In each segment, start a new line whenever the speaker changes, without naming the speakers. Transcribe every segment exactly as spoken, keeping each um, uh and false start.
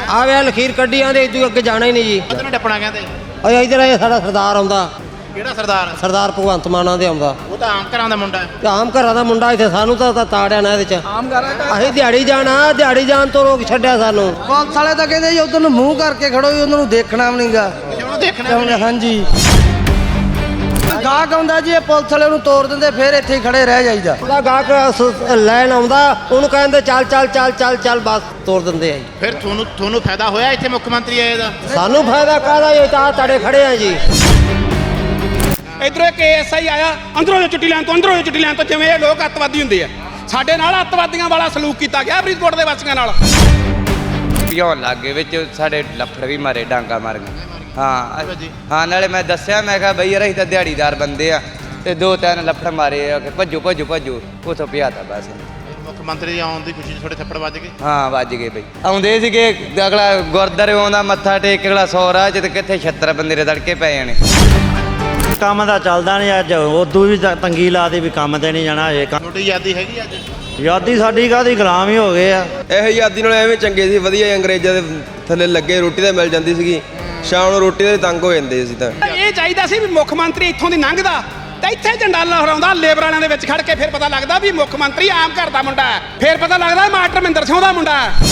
ਆ ਵੇ ਲਖੀਰ ਕੱਢੀ ਆਂਦੇ ਇਦੋਂ ਅੱਗੇ ਜਾਣਾ ਹੀ ਨਹੀਂ ਜੀ।
ਕਿੱਧਰ ਟੱਪਣਾ ਕਹਿੰਦੇ?
ਓਏ ਇਧਰ ਇਹ ਸਾਡਾ ਸਰਦਾਰ ਆਉਂਦਾ।
ਕਿਹੜਾ ਸਰਦਾਰ?
ਸਰਦਾਰ ਭਗਵੰਤ ਮਾਨ ਆਂਦੇ ਆਉਂਦਾ।
ਉਹ ਤਾਂ ਆਮ ਘਰਾਂ ਦਾ ਮੁੰਡਾ ਹੈ।
ਤੇ ਆਮ ਘਰਾਂ ਦਾ ਮੁੰਡਾ ਇੱਥੇ ਸਾਨੂੰ ਤਾਂ ਤਾੜਿਆ ਨਾ ਇਹਦੇ ਚ। ਆਮ ਘਰਾਂ ਅਸੀਂ ਦਿਹਾੜੀ ਜਾਣਾ, ਦਿਹਾੜੀ ਜਾਣ ਤੋਂ ਰੋਕ ਛੱਡਿਆ ਸਾਨੂੰ।
ਪੁਲਿਸ ਵਾਲੇ ਤਾਂ ਕਹਿੰਦੇ ਜੀ ਉਧਰ ਨੂੰ ਮੂੰਹ ਕਰਕੇ ਖੜੋ ਜੀ, ਉਹਨਾਂ ਨੂੰ ਦੇਖਣਾ ਵੀ ਨਹੀਂਗਾ।
ਉਹਨੂੰ ਦੇਖਣਾ
ਹਾਂਜੀ ਗਾਹਕ ਆਉਂਦਾ ਜੀ, ਇਹ ਪੁਲਿਸ ਵਾਲੇ ਨੂੰ ਤੋੜ ਦਿੰਦੇ, ਫਿਰ ਇੱਥੇ ਹੀ ਖੜੇ ਰਹਿ ਜਾਈਦਾ।
ਉਹਦਾ ਗਾਹਕ ਲੈਣ ਆਉਂਦਾ, ਉਹਨੂੰ ਕਹਿੰਦੇ ਚੱਲ ਚੱਲ ਚੱਲ ਚੱਲ ਚੱਲ ਬਸ ਤੋੜ ਦਿੰਦੇ ਆ ਜੀ।
ਫਿਰ ਤੁਹਾਨੂੰ ਤੁਹਾਨੂੰ ਫਾਇਦਾ ਹੋਇਆ ਇੱਥੇ ਮੁੱਖ ਮੰਤਰੀ ਆਏ ਦਾ?
ਸਾਨੂੰ ਫਾਇਦਾ ਕਾਹਦਾ ਜੀ, ਤਾਂ ਤੜੇ ਖੜੇ ਆ ਜੀ।
ਇਧਰੋਂ ਇੱਕ ਐਸ ਆਈ ਆਇਆ, ਅੰਦਰੋਂ ਜੋ ਚੁੱਟੀ ਲੈਣ ਤੋਂ ਅੰਦਰੋਂ ਜੋ ਚੁੱਟੀ ਲੈਣ ਤੋਂ, ਜਿਵੇਂ ਇਹ ਲੋਕ ਅੱਤਵਾਦੀ ਹੁੰਦੇ ਆ। ਸਾਡੇ ਨਾਲ ਅੱਤਵਾਦੀਆਂ ਵਾਲਾ ਸਲੂਕ ਕੀਤਾ ਗਿਆ ਫਰੀਦਕੋਟ ਦੇ ਵਾਸੀਆਂ ਨਾਲ।
ਪਿਉਣ ਲੱਗੇ ਵਿੱਚ ਸਾਡੇ ਲੱਫੜ ਵੀ ਮਾਰੇ, ਡਾਂਗਾ ਮਾਰ ਗਏ। ਹਾਂ ਹਾਂ ਨਾਲੇ ਮੈਂ ਦੱਸਿਆ, ਮੈਂ ਕਿਹਾ ਬਈ ਯਾਰ ਅਸੀਂ ਤਾਂ ਦਿਹਾੜੀਦਾਰ ਬੰਦੇ ਆ, ਤੇ ਦੋ ਤਿੰਨ ਲੱਫੜ ਮਾਰੇ ਆ ਕਿ ਭੱਜੋ ਭੱਜੋ ਭੱਜੋ, ਉੱਥੋਂ ਪਿਆ ਤਾ ਬਸ।
ਮੁੱਖ ਮੰਤਰੀ ਦੇ ਆਉਣ ਦੀ ਖੁਸ਼ੀ 'ਚ ਥੋੜੇ ਥੱਪੜ ਵੱਜ ਗਏ?
ਹਾਂ ਵੱਜ ਗਏ ਬਈ। ਆਉਂਦੇ ਸੀਗੇ, ਅਗਲਾ ਗੁਰਦਾਰੇ ਆਉਂਦਾ ਮੱਥਾ ਟੇਕ, ਅਗਲਾ ਸੌ ਰਾਹ 'ਚ ਤੇ ਕਿੱਥੇ ਛੱਤਰ ਬੰਦੇ ਦੇ ਤੜਕੇ ਪੈ ਜਾਣੇ।
ਕੰਮ ਦਾ ਚੱਲਦਾ ਨਹੀਂ ਅੱਜ, ਉਦੋਂ ਵੀ ਤੰਗੀ ਲਾ ਦੀ ਵੀ ਕੰਮ ਤੇ ਨਹੀਂ ਜਾਣਾ ਹਜੇ।
ਤੁਹਾਡੀ ਆਜ਼ਾਦੀ ਹੈਗੀ ਅੱਜ?
ਆਜ਼ਾਦੀ ਸਾਡੀ ਕਾਹਦੀ, ਗੁਲਾਮ ਹੀ ਹੋ ਗਏ ਆ।
ਇਹ ਆਜ਼ਾਦੀ ਨਾਲ ਐਵੇਂ ਚੰਗੇ ਸੀ, ਵਧੀਆ ਅੰਗਰੇਜ਼ਾਂ ਦੇ ਥੱਲੇ ਲੱਗੇ, ਰੋਟੀ ਤਾਂ ਮਿਲ ਜਾਂਦੀ ਸੀਗੀ, ਸ਼ਾਮ ਨੂੰ ਰੋਟੀ ਦੇ ਤੰਗ ਹੋ ਜਾਂਦੇ ਸੀ। ਤਾਂ
ਇਹ ਚਾਹੀਦਾ ਸੀ ਵੀ ਮੁੱਖ ਮੰਤਰੀ ਇੱਥੋਂ ਦੀ ਲੰਘਦਾ ਤੇ ਇੱਥੇ ਝੰਡਾ ਲਹਿਰਾਉਂਦਾ ਲੇਬਰ ਵਾਲਿਆਂ ਦੇ ਵਿੱਚ ਖੜ ਕੇ, ਫਿਰ ਪਤਾ ਲੱਗਦਾ ਵੀ ਮੁੱਖ ਮੰਤਰੀ ਆਮ ਘਰ ਦਾ ਮੁੰਡਾ ਹੈ, ਫਿਰ ਪਤਾ ਲੱਗਦਾ ਮਾਸਟਰ ਮਹਿੰਦਰ ਸਿੰਘ ਦਾ ਮੁੰਡਾ ਹੈ।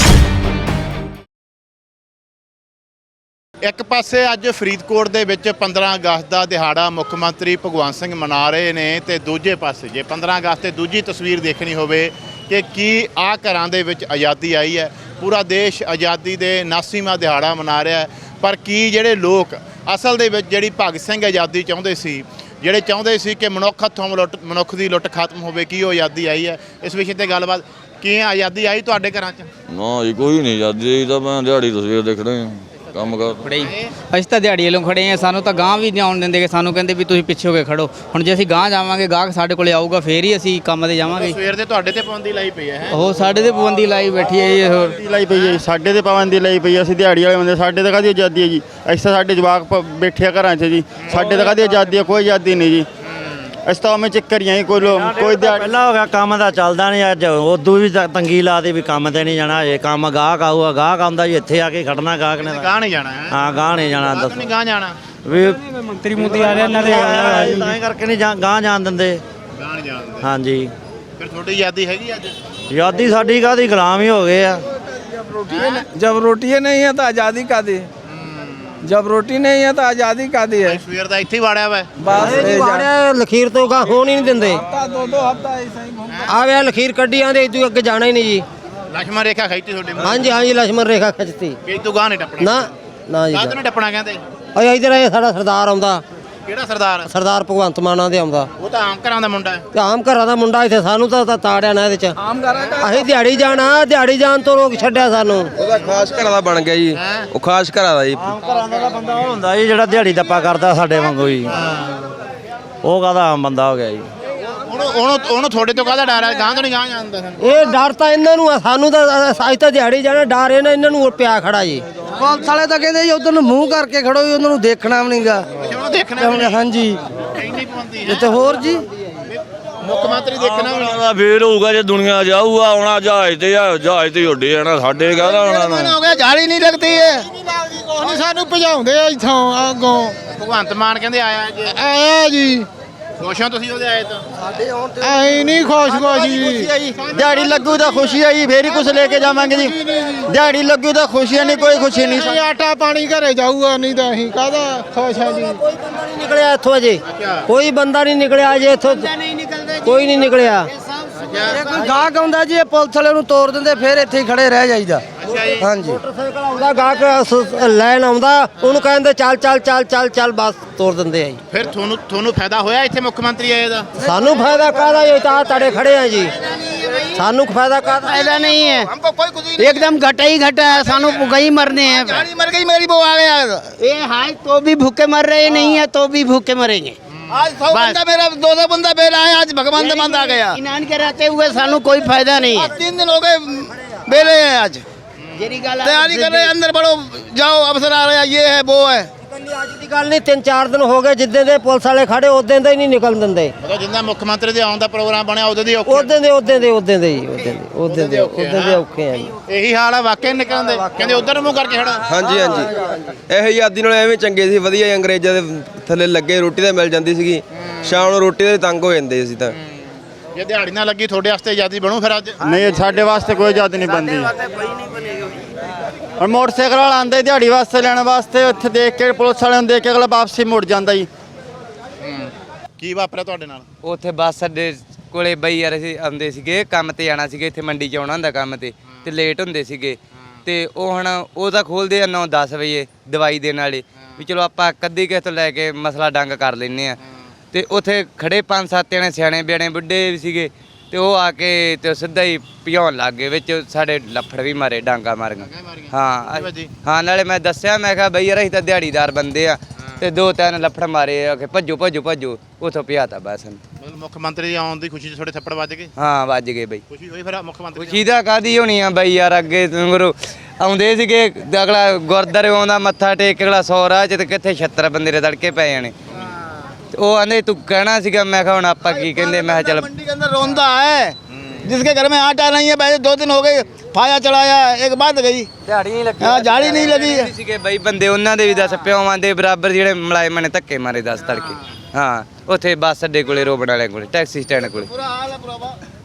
ਇੱਕ ਪਾਸੇ ਅੱਜ ਫਰੀਦਕੋਟ ਦੇ ਵਿੱਚ ਪੰਦਰਾਂ ਅਗਸਤ ਦਾ ਦਿਹਾੜਾ ਮੁੱਖ ਮੰਤਰੀ ਭਗਵੰਤ ਸਿੰਘ ਮਨਾ ਰਹੇ ਨੇ, ਤੇ ਦੂਜੇ ਪਾਸੇ ਜੇ ਪੰਦਰਾਂ ਅਗਸਤ ਤੇ ਦੂਜੀ ਤਸਵੀਰ ਦੇਖਣੀ ਹੋਵੇ ਕਿ ਕੀ ਆ ਘਰਾਂ ਦੇ ਵਿੱਚ ਆਜ਼ਾਦੀ ਆਈ ਹੈ। ਪੂਰਾ ਦੇਸ਼ ਆਜ਼ਾਦੀ ਦੇ ਉਨਾਸੀਵਾਂ ਦਿਹਾੜਾ ਮਨਾ ਰਿਹਾ ਹੈ, ਪਰ ਕੀ ਜਿਹੜੇ ਲੋਕ ਅਸਲ ਦੇ ਵਿੱਚ ਜਿਹੜੀ ਭਗਤ ਸਿੰਘ ਆਜ਼ਾਦੀ ਚਾਹੁੰਦੇ ਸੀ, ਜਿਹੜੇ ਚਾਹੁੰਦੇ ਸੀ ਕਿ ਮਨੁੱਖ ਹੱਥੋਂ ਲੁੱਟ ਮਨੁੱਖ ਦੀ ਲੁੱਟ ਖਤਮ ਹੋਵੇ, ਕੀ ਉਹ ਆਜ਼ਾਦੀ ਆਈ ਹੈ? ਇਸ ਵਿਸ਼ੇ ਤੇ ਗੱਲਬਾਤ। ਕੀ ਆਜ਼ਾਦੀ ਆਈ ਤੁਹਾਡੇ ਘਰਾਂ 'ਚ?
ਨਾ ਜੀ ਕੋਈ ਨਹੀਂ ਆਜ਼ਾਦੀ, ਤਾਂ ਮੈਂ ਦਿਹਾੜੀ ਤਸਵੀਰ ਦੇਖ ਰਹੇ ਹਾਂ, ਕੰਮ ਕਰ
ਖੜੇ ਅਸੀਂ ਤਾਂ ਦਿਹਾੜੀ ਵੱਲੋਂ ਖੜੇ ਆ। ਸਾਨੂੰ ਤਾਂ ਗਾਂਹ ਵੀ ਨਹੀਂ ਆਉਣ ਦਿੰਦੇ ਕਿ ਸਾਨੂੰ ਕਹਿੰਦੇ ਵੀ ਤੁਸੀਂ ਪਿੱਛੇ ਹੋ ਕੇ ਖੜੋ। ਹੁਣ ਜੇ ਅਸੀਂ ਗਾਂਹ ਜਾਵਾਂਗੇ, ਗਾਹਕ ਸਾਡੇ ਕੋਲੇ ਆਊਗਾ, ਫੇਰ ਹੀ ਅਸੀਂ ਕੰਮ ਤੇ ਜਾਵਾਂਗੇ।
ਸਵੇਰ ਦੇ ਤੁਹਾਡੇ ਤੇ ਪਾਬੰਦੀ ਲਾਈ ਪਈ ਹੈ?
ਉਹ ਸਾਡੇ ਤੇ ਪਾਬੰਦੀ ਲਾਈ ਬੈਠੀ ਹੈ ਜੀ। ਹੋਰ
ਲਾਈ ਪਈ ਹੈ ਜੀ, ਸਾਡੇ ਤੇ ਪਾਬੰਦੀ ਲਾਈ ਪਈ ਹੈ। ਅਸੀਂ ਦਿਹਾੜੀ ਵਾਲੇ ਬੰਦੇ, ਸਾਡੇ ਤਾਂ ਕਾਹਦੀ ਆਜ਼ਾਦੀ ਹੈ ਜੀ? ਅਸੀਂ ਤਾਂ ਸਾਡੇ ਜਵਾਕ ਬੈਠੇ ਆ ਘਰਾਂ 'ਚ ਜੀ, ਸਾਡੇ ਤਾਂ ਕਾਹਦੀ ਆਜ਼ਾਦੀ ਹੈ? ਕੋਈ ਆਜ਼ਾਦੀ ਨਹੀਂ ਜੀ। ਅਸੀਂ ਤਾਂ ਉਵੇਂ ਚੱਕਰੀਆਂ ਹੀ, ਕੋਈ ਕੋਈ ਦਿਹਾੜੀ
ਪਹਿਲਾਂ ਹੋ ਗਿਆ, ਕੰਮ ਦਾ ਚੱਲਦਾ ਨਹੀਂ ਅੱਜ, ਉਦੋਂ ਵੀ ਤੰਗੀ ਲਾ ਦੀ ਵੀ ਕੰਮ ਤੇ ਨਹੀਂ ਜਾਣਾ ਹਜੇ। ਕੰਮ ਗਾਹਕ ਆਊਗਾ, ਗਾਹਕ ਆਉਂਦਾ ਜੀ, ਇੱਥੇ ਆ ਕੇ ਖੜਨਾ ਗਾਹਕ ਨੇ।
ਗਾਹ ਨਹੀਂ ਜਾਣਾ ਹੈ?
ਹਾਂ ਗਾਹ ਨਹੀਂ ਜਾਣਾ।
ਦੱਸੋ ਨਹੀਂ ਗਾਹ ਜਾਣਾ
ਵੀ
ਮੰਤਰੀ ਮੁੰਤਰੀ ਆ ਰਿਹਾ ਇਹਨਾਂ ਦੇ,
ਤਾਂ ਹੀ ਕਰਕੇ ਨਹੀਂ ਗਾਹ ਜਾਣ ਦਿੰਦੇ।
ਗਾਹ ਨਹੀਂ ਜਾਣ ਦਿੰਦੇ।
ਹਾਂਜੀ
ਫਿਰ ਤੁਹਾਡੀ ਆਜ਼ਾਦੀ ਹੈਗੀ ਅੱਜ?
ਆਜ਼ਾਦੀ ਸਾਡੀ ਕਾਹਦੀ, ਗੁਲਾਮ ਹੀ ਹੋ ਗਏ ਆ।
जब रोटी नहीं है तो आज़ादी का दी, जब रोटी नहीं है तो आज़ादी का दी है।
ਸਵੇਰ ਦਾ ਇੱਥੇ ਹੀ ਵਾੜਿਆ ਵਾ?
ਬਸ ਲਖੀਰ ਤੋਂ ਗਾਹ ਹੋਣ ਹੀ ਨਹੀਂ ਦਿੰਦੇ।
दो दो हफ्ता ऐसा ही
ਆ ਵੇ ਲਖੀਰ ਕੱਢੀ ਆਂਦੇ ਇਦੋਂ ਅੱਗੇ ਜਾਣਾ ਹੀ ਨਹੀਂ ਜੀ।
ਲక్ష్మణ ਰੇਖਾ ਖਿੱਚਤੀ ਤੁਹਾਡੇ ਮੂੰਹ?
ਹਾਂਜੀ ਹਾਂਜੀ ਲక్ష్మణ ਰੇਖਾ ਖਿੱਚਤੀ।
ਕਿ ਤੂੰ ਗਾਹ ਨਹੀਂ ਟੱਪਣਾ?
ਨਾ ਨਾ ਜੀ।
ਗਾਹ ਤੋਂ ਨਹੀਂ ਟੱਪਣਾ ਕਹਿੰਦੇ?
ਓਏ ਇਧਰ ਇਹ ਸਾਡਾ ਸਰਦਾਰ ਆਉਂਦਾ।
ਕਿਹੜਾ ਸਰਦਾਰ?
ਸਰਦਾਰ ਭਗਵੰਤ ਮਾਨ ਆਂਦੇ ਆਉਂਦਾ।
ਉਹ ਤਾਂ ਆਮ ਘਰਾਂ ਦਾ ਮੁੰਡਾ ਹੈ।
ਤੇ ਆਮ ਘਰਾਂ ਦਾ ਮੁੰਡਾ ਇੱਥੇ ਸਾਨੂੰ ਤਾਂ ਤਾੜਿਆ ਨਾ ਇਹਦੇ ਚ। ਅਸੀਂ ਦਿਹਾੜੀ ਜਾਣਾ, ਦਿਹਾੜੀ ਜਾਣ ਤੋਂ ਰੋਕ ਛੱਡਿਆ ਸਾਨੂੰ।
ਉਹਦਾ ਖਾਸ ਘਰਾਂ ਦਾ ਬਣ ਗਿਆ ਜੀ, ਉਹ ਖਾਸ ਘਰਾਂ ਦਾ ਜੀ।
ਆਮ ਘਰਾਂ ਦਾ ਬੰਦਾ ਉਹ ਹੁੰਦਾ ਜੀ ਜਿਹੜਾ ਦਿਹਾੜੀ ਦੱਪਾ ਕਰਦਾ ਸਾਡੇ ਵਾਂਗੂ ਜੀ, ਉਹ ਕਾਹਦਾ ਆਮ ਬੰਦਾ ਹੋ ਗਿਆ ਜੀ।
ਉਹਨੂੰ ਉਹਨੂੰ ਉਹਨੂੰ ਤੁਹਾਡੇ ਤੋਂ ਕਾਹਦਾ ਡਰ ਹੈ? ਗਾਹ ਤੋਂ ਨਹੀਂ ਗਾਹ ਜਾਂਦਾ ਸਾਨੂੰ?
ਇਹ ਡਰ ਤਾਂ ਇਹਨਾਂ ਨੂੰ ਆ, ਸਾਨੂੰ ਤਾਂ ਅੱਜ ਤਾਂ ਦਿਹਾੜੀ ਜਾਣਾ ਡਰ ਇਹਨਾਂ ਇਹਨਾਂ ਨੂੰ ਪਿਆ ਖੜਾ ਜੀ।
ਪੁਲਿਸ ਵਾਲੇ ਤਾਂ ਕਹਿੰਦੇ ਜੀ ਉਧਰ ਨੂੰ ਮੂੰਹ ਕਰਕੇ ਖੜੋ ਜੀ, ਉਹਨਾਂ ਨੂੰ ਦੇਖਣਾ ਵੀ ਨਹੀਂਗਾ।
ਉਹਨੂੰ ਦੇਖਣਾ ਵੀ ਨਹੀਂ?
ਹਾਂਜੀ
ਇੰਨੀ ਪਾਬੰਦੀ ਹੈ?
ਤੇ ਹੋਰ ਜੀ
ਮੁੱਖ ਮੰਤਰੀ ਦੇਖਣਾ ਵੀ ਨਹੀਂ?
ਫੇਰ ਹੋਊਗਾ ਜੇ ਦੁਨੀਆ ਜਾਊਗਾ, ਆਉਣਾ ਜਹਾਜ਼ ਤੇ ਆ, ਜਹਾਜ਼ ਤੇ ਉੱਡੇ ਜਾਣਾ, ਸਾਡੇ ਕਾਹਦਾ ਆਉਣਾ ਨਾ।
ਹੋ ਗਿਆ ਜਾਲੀ ਨਹੀਂ ਲੱਗਦੀ ਹੈ।
ਉਹਨੇ ਸਾਨੂੰ ਭਜਾਉਂਦੇ ਆ ਇੱਥੋਂ ਅੱਗੋਂ।
ਭਗਵੰਤ ਮਾਨ ਕਹਿੰਦੇ ਆਇਆ ਜੀ।
ਆਇਆ ਜੀ,
ਖੁਸ਼ ਹੋ ਤੁਸੀਂ ਉਹਦੇ ਆਏ ਤੋਂ?
ਐ ਨਹੀਂ ਖੁਸ਼ ਖੁਸ਼ ਜੀ।
ਦਿਹਾੜੀ ਲੱਗੂ ਤਾਂ ਖੁਸ਼ੀ ਆ ਜੀ, ਫੇਰ ਹੀ ਕੁਝ ਲੈ ਕੇ ਜਾਵਾਂਗੇ ਜੀ। ਦਿਹਾੜੀ ਲੱਗੂ ਤਾਂ ਖੁਸ਼ੀ ਨਹੀਂ, ਕੋਈ ਖੁਸ਼ੀ ਨਹੀਂ।
ਅਸੀਂ ਆਟਾ ਪਾਣੀ ਘਰੇ ਜਾਊਗਾ, ਨਹੀਂ ਤਾਂ ਅਸੀਂ ਕਾਹਦਾ ਖੁਸ਼ ਆ ਜੀ।
ਕੋਈ ਬੰਦਾ ਨਹੀਂ ਨਿਕਲਿਆ ਇੱਥੋਂ ਅਜੇ, ਕੋਈ ਬੰਦਾ ਨਹੀਂ ਨਿਕਲਿਆ ਅਜੇ ਇੱਥੋਂ, ਕੋਈ ਨਹੀਂ ਨਿਕਲਿਆ।
ਜੇ ਕੋਈ ਗਾਹਕ ਆਉਂਦਾ ਜੀ, ਇਹ ਪੁਲਿਸ ਵਾਲੇ ਨੂੰ ਤੋੜ ਦਿੰਦੇ, ਫਿਰ ਇੱਥੇ ਹੀ ਖੜੇ ਰਹਿ ਜਾਈਦਾ। ਹਾਂਜੀ
ਮੋਟਰਸਾਈਕਲ ਆਉਂਦਾ, ਗਾਹਕ ਲੈਣ ਆਉਂਦਾ, ਉਹਨੂੰ ਕਹਿੰਦੇ ਚੱਲ ਚੱਲ ਚੱਲ ਚੱਲ ਚੱਲ ਬਸ ਤੋੜ ਦਿੰਦੇ ਆ ਜੀ।
ਫਿਰ ਤੁਹਾਨੂੰ ਤੁਹਾਨੂੰ ਫਾਇਦਾ ਹੋਇਆ ਇੱਥੇ ਮੁੱਖ ਮੰਤਰੀ ਆਏ ਦਾ?
ਸਾਨੂੰ ਫਾਇਦਾ ਕਾਹਦਾ ਜੀ, ਤਾਂ ਤੜੇ ਖੜੇ ਆ ਜੀ। ਸਾਨੂੰ ਫਾਇਦਾ ਕਾਹਦਾ?
फायदा नहीं है, एकदम घटा ही घटा है। सानू भूखे ही मरने हैं।
मर गई मेरी बहू आ गया।
ये हाय तो भी भूखे मर रहे नहीं है, तो भी भूखे मरेंगे।
आज सौ बंदा मेरा दो सौ बंदा बेला है, आज भगवान दमंद आ गया।
इनान के रहते हुए सानू कोई फायदा नहीं है।
तीन दिन हो गए बेले हैं आज, तैयारी कर रहे हैं, अंदर बढ़ो जाओ, अफसर आ रहे हैं, ये है वो है।
ਅੱਜ ਦੀ ਗੱਲ ਨਹੀਂ, ਤਿੰਨ ਚਾਰ ਦਿਨ ਹੋ ਗਏ ਜਿੱਦਾਂ ਦੇ ਪੁਲਿਸ ਵਾਲੇ ਖੜੇ ਉਦੋਂ ਦੇ ਹੀ ਨਹੀਂ ਨਿਕਲਣ ਦਿੰਦੇ।
ਮਤਲਬ ਜਿੰਨਾ ਮੁੱਖ ਮੰਤਰੀ ਦੇ ਆਉਣ ਦਾ ਪ੍ਰੋਗਰਾਮ ਬਣਿਆ ਉਦੋਂ ਦੀ ਔਖੇ
ਉਦੋਂ ਦੇ ਉਦੋਂ ਦੇ ਉਦੋਂ ਦੇ ਜੀ ਉਦੋਂ ਦੇ ਉਦੋਂ ਦੇ ਉਦੋਂ ਦੇ ਔਖੇ ਆ ਜੀ।
ਇਹੀ ਹਾਲ ਆ ਵਾਕਿਆ ਨਿਕਲਣ ਦੇ, ਕਹਿੰਦੇ ਉਧਰ ਨੂੰ ਮੂੰਹ ਕਰਕੇ ਖੜਾ।
ਹਾਂਜੀ ਹਾਂਜੀ ਇਹ ਆਜ਼ਾਦੀ ਨਾਲ ਐਵੇਂ ਚੰਗੇ ਸੀ, ਵਧੀਆ ਅੰਗਰੇਜ਼ਾਂ ਦੇ ਥੱਲੇ ਲੱਗੇ ਰੋਟੀ ਤਾਂ ਮਿਲ ਜਾਂਦੀ ਸੀਗੀ, ਸ਼ਾਮ ਨੂੰ ਰੋਟੀ ਦੇ ਤੰਗ ਹੋ ਜਾਂਦੇ ਅਸੀਂ ਤਾਂ।
ਜੇ ਦਿਹਾੜੀ ਨਾ ਲੱਗੀ ਤੁਹਾਡੇ ਵਾਸਤੇ ਆਜ਼ਾਦੀ ਬਣੂ ਫਿਰ ਅੱਜ?
ਨਹੀਂ ਸਾਡੇ ਵਾਸਤੇ ਕੋਈ ਆਜ਼ਾਦੀ ਨਹੀਂ ਬਣਦੀ। ਔਰ ਮੋਟਰਸਾਈਕਲ ਵਾਲਾ ਆਂਦਾ ਦਿਹਾੜੀ ਵਾਸਤੇ ਲੈਣ ਵਾਸਤੇ, ਉੱਥੇ ਦੇਖ ਕੇ ਪੁਲਿਸ ਵਾਲਿਆਂ ਨੂੰ ਦੇਖ ਕੇ ਅਗਲਾ ਵਾਪਸੀ ਮੁੜ ਜਾਂਦਾ ਜੀ।
ਕੀ ਵਾਪਰਿਆ ਤੁਹਾਡੇ ਨਾਲ?
ਉੱਥੇ ਬੱਸ ਅੱਡੇ ਕੋਲੇ ਬਈ ਯਾਰ ਅਸੀਂ ਆਉਂਦੇ ਸੀਗੇ ਕੰਮ ਤੇ ਜਾਣਾ ਸੀਗੇ, ਇੱਥੇ ਮੰਡੀ 'ਚ ਆਉਣਾ ਹੁੰਦਾ ਕੰਮ ਤੇ ਤੇ ਲੇਟ ਹੁੰਦੇ ਸੀਗੇ ਤੇ ਉਹ ਹੁਣ ਉਹ ਤਾਂ ਖੋਲ੍ਹਦੇ ਆ ਨੌ ਦਸ ਵਜੇ ਦਵਾਈ ਦੇਣ ਵਾਲੇ ਵੀ ਚਲੋ ਆਪਾਂ ਕੱਦੀ ਕਿਸੇ ਤੋਂ ਲੈ ਕੇ ਮਸਲਾ ਡੰਗ ਕਰ ਲੈਂਦੇ ਆ। ਤੇ ਉੱਥੇ ਖੜੇ ਪੰਜ ਸੱਤ ਜਣੇ ਸਿਆਣੇ ਬਿਆਣੇ ਬੁੱਢੇ ਵੀ ਸੀਗੇ ਤੇ ਉਹ ਆ ਕੇ ਤੇ ਸਿੱਧਾ ਹੀ ਭਜਾਉਣ ਲੱਗ ਗਏ, ਵਿੱਚ ਸਾਡੇ ਲੱਫੜ ਵੀ ਮਾਰੇ, ਡਾਂਗਾ ਮਾਰੀਆਂ। ਹਾਂ ਹਾਂ ਨਾਲੇ ਮੈਂ ਦੱਸਿਆ ਮੈਂ ਕਿਹਾ ਬਈ ਯਾਰ ਅਸੀਂ ਤਾਂ ਦਿਹਾੜੀਦਾਰ ਬੰਦੇ ਆ ਤੇ ਦੋ ਤਿੰਨ ਲੱਫੜ ਮਾਰੇ ਆ ਕਿ ਭੱਜੋ ਭੱਜੋ ਭੱਜੋ, ਉੱਥੋਂ ਭਜਾਤਾ ਬਸ।
ਮਤਲਬ ਮੁੱਖ ਮੰਤਰੀ ਦੇ ਆਉਣ ਦੀ ਖੁਸ਼ੀ 'ਚ ਤੁਹਾਡੇ ਥੱਪੜ ਵੱਜ ਗਏ?
ਹਾਂ ਵੱਜ ਗਏ ਬਈ।
ਖੁਸ਼ੀ ਹੋਈ ਫਿਰ ਮੁੱਖ ਮੰਤਰੀ
ਖੁਸ਼ੀ ਦਾ ਕਾਹਦੀ ਹੋਣੀ ਆ ਬਈ ਯਾਰ, ਅੱਗੇ ਗੁਰੂ ਆਉਂਦੇ ਸੀਗੇ ਅਗਲਾ ਗੁਰਦੁਆਰੇ ਆਉਂਦਾ ਮੱਥਾ ਟੇਕ ਅਗਲਾ ਸੌ ਰਾਹ 'ਚ ਤੇ ਕਿੱਥੇ ਛੱਤਰ ਬੰਦੇ ਦੇ ਤੜਕੇ ਪੈ ਜਾਣੇ। ਉਹ ਆਂਦੇ ਤੂੰ ਕਹਿਣਾ ਸੀਗਾ, ਮੈਂ ਕਿਹਾ ਹੁਣ ਆਪਾਂ ਕੀ ਕਹਿੰਦੇ, ਮੈਂ ਕਿਹਾ ਚੱਲ
मंडी के अंदर रौंदा है जिसके घर में आटा नहीं है, पहले दो दिन हो गए फाया चढ़ाया, एक बात गई
ਦਿਹਾੜੀ ਨਹੀਂ ਲੱਗੀ।
हाँ झाड़ी नहीं लगी।
ਸੀਗੇ ਬਈ ਬੰਦੇ ਉਹਨਾਂ ਦੇ ਵੀ ਦੱਸ ਪਿਓਵਾਂ ਦੇ ਬਰਾਬਰ ਜਿਹੜੇ ਮੁਲਾਜ਼ਮਾਂ ਨੇ ਧੱਕੇ ਮਾਰੇ ਦੱਸ ਤੜਕੇ। ਹਾਂ ਉੱਥੇ ਬੱਸ ਅੱਡੇ ਕੋਲੇ ਰੋਬਣ ਵਾਲੇ ਕੋਲੇ ਟੈਕਸੀ ਸਟੈਂਡ ਕੋਲੇ।
बुरा हाल है